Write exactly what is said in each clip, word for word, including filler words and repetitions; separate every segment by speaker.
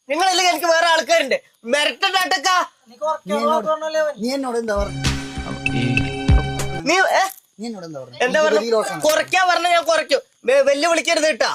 Speaker 1: നിങ്ങളല്ലെങ്കിൽ എനിക്ക് വേറെ ആൾക്കാരുണ്ട് മെരട്ടാട്ടക്ക.
Speaker 2: നീ എന്നോട് എന്താ പറഞ്ഞു?
Speaker 1: നീ
Speaker 2: നീ എന്നോട് എന്താ പറഞ്ഞു?
Speaker 1: എന്താ പറഞ്ഞു? കുറയ്ക്കാ പറഞ്ഞ ഞാൻ കുറയ്ക്കും. വെല്ലു വിളിക്കരുത് കേട്ടാ.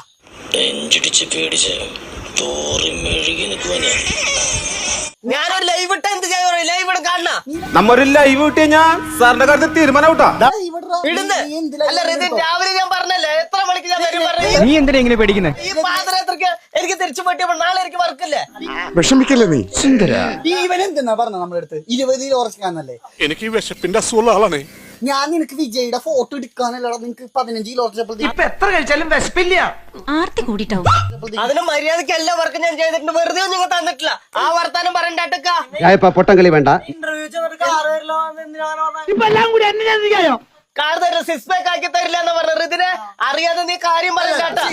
Speaker 1: ഞാനൊരു ലൈവ് ഇട്ട എന്ത് ചെയ്യാൻ ലൈവ് ഇട കാണണ
Speaker 3: നമ്മൊരു ലൈവ് കിട്ടിയ ഞാൻ സാറിന്റെ കാര്യത്തിൽ തീരുമാനം ഔട്ടാ
Speaker 1: ഇടുന്ന്. അല്ല റിതിൻ രാവിലെ ഞാൻ പറഞ്ഞല്ലേ എത്ര മണിക്ക് ഞാൻ വരും പറഞ്ഞു.
Speaker 3: നീ എന്തിനാ ഇങ്ങനെ പേടിക്കുന്നേ?
Speaker 1: ഈ പാദയാത്രക്ക് എനിക്ക് തിരിച്ചു പറ്റിയപ്പോൾ നാളെ എനിക്ക് വർക്കില്ലേ.
Speaker 4: വിഷമിക്കല്ലേ നീ സുന്ദര.
Speaker 2: ഈ ഇവൻ എന്തെന്നാ പറഞ്ഞ നമ്മുടെ അടുത്ത് ഇരുപത് കിലോ ഉറച്ചാന്നല്ലേ?
Speaker 4: എനിക്ക് ഈ വിശപ്പിന്റെ അസുഖമുള്ള ആളാണ്.
Speaker 2: ഞാൻ നിനക്ക് വിജയുടെ ഫോട്ടോ എടുക്കാനല്ലടാ നിനക്ക് പതിനഞ്ച് കിലോ ഉറച്ചപ്പോഴത്തേക്ക്
Speaker 3: ഇപ്പൊ എത്ര കഴിച്ചാലും വിശപ്പില്ല.
Speaker 5: ആർത്തി കൂടിട്ടാവും.
Speaker 1: അതിന് മര്യാദക്ക് എല്ലാ വർക്കും ഞാൻ ചെയ്തിട്ടുണ്ട്. വെറുതെ ഒന്നും നിങ്ങൾ തന്നിട്ടില്ല. ആ വർത്താനം പറയണ്ടാട്ടക്ക.
Speaker 6: പൊട്ടംകളി വേണ്ട.
Speaker 1: കാർ തരില്ല, സിക്സ് പാക്ക് ആക്കി തരില്ല എന്ന് പറഞ്ഞ റിതിനെ അറിയാതെ നീ കാര്യം പറയണ്ടാട്ടാ.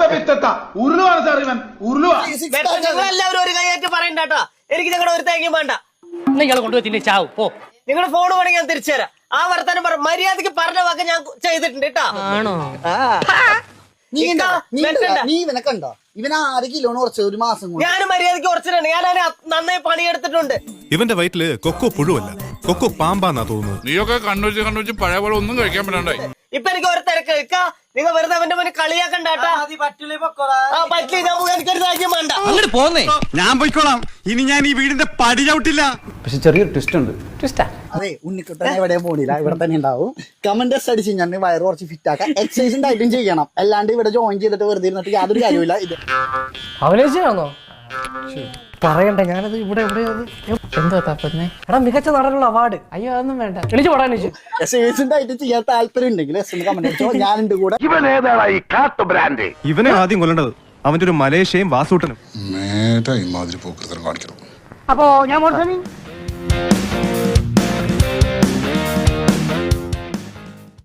Speaker 1: എല്ലാവരും ഒരു കൈയായിട്ട് പറയണ്ടാട്ടാ. എനിക്ക് ഞങ്ങളുടെ ഒരു തേങ്ങയും വേണ്ട.
Speaker 7: നിങ്ങളെ കൊണ്ടുപോയി തിന്നെ ചാവും പോ.
Speaker 1: നിങ്ങളുടെ ഫോൺ വേണമെങ്കിൽ ഞാൻ തിരിച്ചു തരാം. ആ വർത്താനം പറ മര്യാദക്ക് പറഞ്ഞ വാക്ക് ഞാൻ ചെയ്തിട്ടുണ്ട് കേട്ടാ.
Speaker 7: ആണോ?
Speaker 2: നീ നീ ഇവനെ കണ്ടോ? ഇവൻ ആറ് കിലോന് കുറച്ച് ഒരു മാസം കൊണ്ട്.
Speaker 1: ഞാൻ മര്യാദക്ക് കുറച്ചിട്ടുണ്ട്. ഞാൻ അതിന് നന്നായി പണിയെടുത്തിട്ടുണ്ട്.
Speaker 8: ഇവന്റെ വയറ്റില് കൊക്കോ പുഴുവല്ല, കൊക്കോ പാമ്പാന്നാ തോന്നുന്നത്.
Speaker 4: നീയൊക്കെ കണ്ണൂച്ച് കണ്ണൂച്ച് പഴയ പോലെ ഒന്നും കഴിക്കാൻ പറ്റണ്ടായി.
Speaker 1: ഇപ്പൊ എനിക്ക് ഒരു തിരക്ക് വെക്കാ. നിങ്ങൾ വെറുതെ അവന്റെ മുന്നിൽ കളിയാക്കണ്ടാട്ടാ. പറ്റില്ല, ഞാൻ എനിക്കൊരു രാജ്യം വേണ്ട.
Speaker 3: അങ്ങോട്ട് പോന്നേ.
Speaker 8: ഞാൻ പോയിക്കോളാം. ഇനി ഞാൻ ഈ വീടിന്റെ പടി ചവിട്ടില്ല.
Speaker 6: പക്ഷെ ചെറിയൊരു ട്വിസ്റ്റ് ഉണ്ട്.
Speaker 7: ട്വിസ്റ്റാ?
Speaker 2: അതെ, ഉണ്ണിക്കുട്ടൻ എവിടെയും പോണില്ല, ഇവിടെ തന്നെ ഉണ്ടാവും. കമന്റ് അടിച്ച് ഞാൻ വയറ് കുറച്ച് ഫിറ്റ് ആക്കാം. എക്സസൈസും ഡയറ്റും ചെയ്യണം. അല്ലാണ്ട് ഇവിടെ ജോയിൻ ചെയ്തിട്ട് വെറുതെ ഇരുന്നിട്ട് യാതൊരു കാര്യമില്ല. ഇത്
Speaker 7: അവലേശയാണോ? പറയണ്ട, ഞാനത് ഇവിടെ എവിടെ എന്താ തപ്പന്നെ? എടാ മികച്ച നടനുള്ള അവാർഡ്. അയ്യോ അതൊന്നും വേണ്ട. എണീച്ച് പോടാ എണീച്ച്.
Speaker 2: എക്സസൈസും ഡയറ്റും ചെയ്യാൻ താല്പര്യം ഉണ്ടെങ്കിൽ എസ് എന്ന് കമന്റ് അടിച്ചോ. ഞാനുണ്ട് കൂടെ.
Speaker 8: ഇവനെ ആദ്യം കൊല്ലേണ്ടത് അവന്റെ ഒരു മലേഷ്യയും വാസൂട്ടനും.
Speaker 4: മേധ ഇമാതിരി പോക്കൃതം കാണിക്കണം.
Speaker 7: അപ്പോ ഞാൻ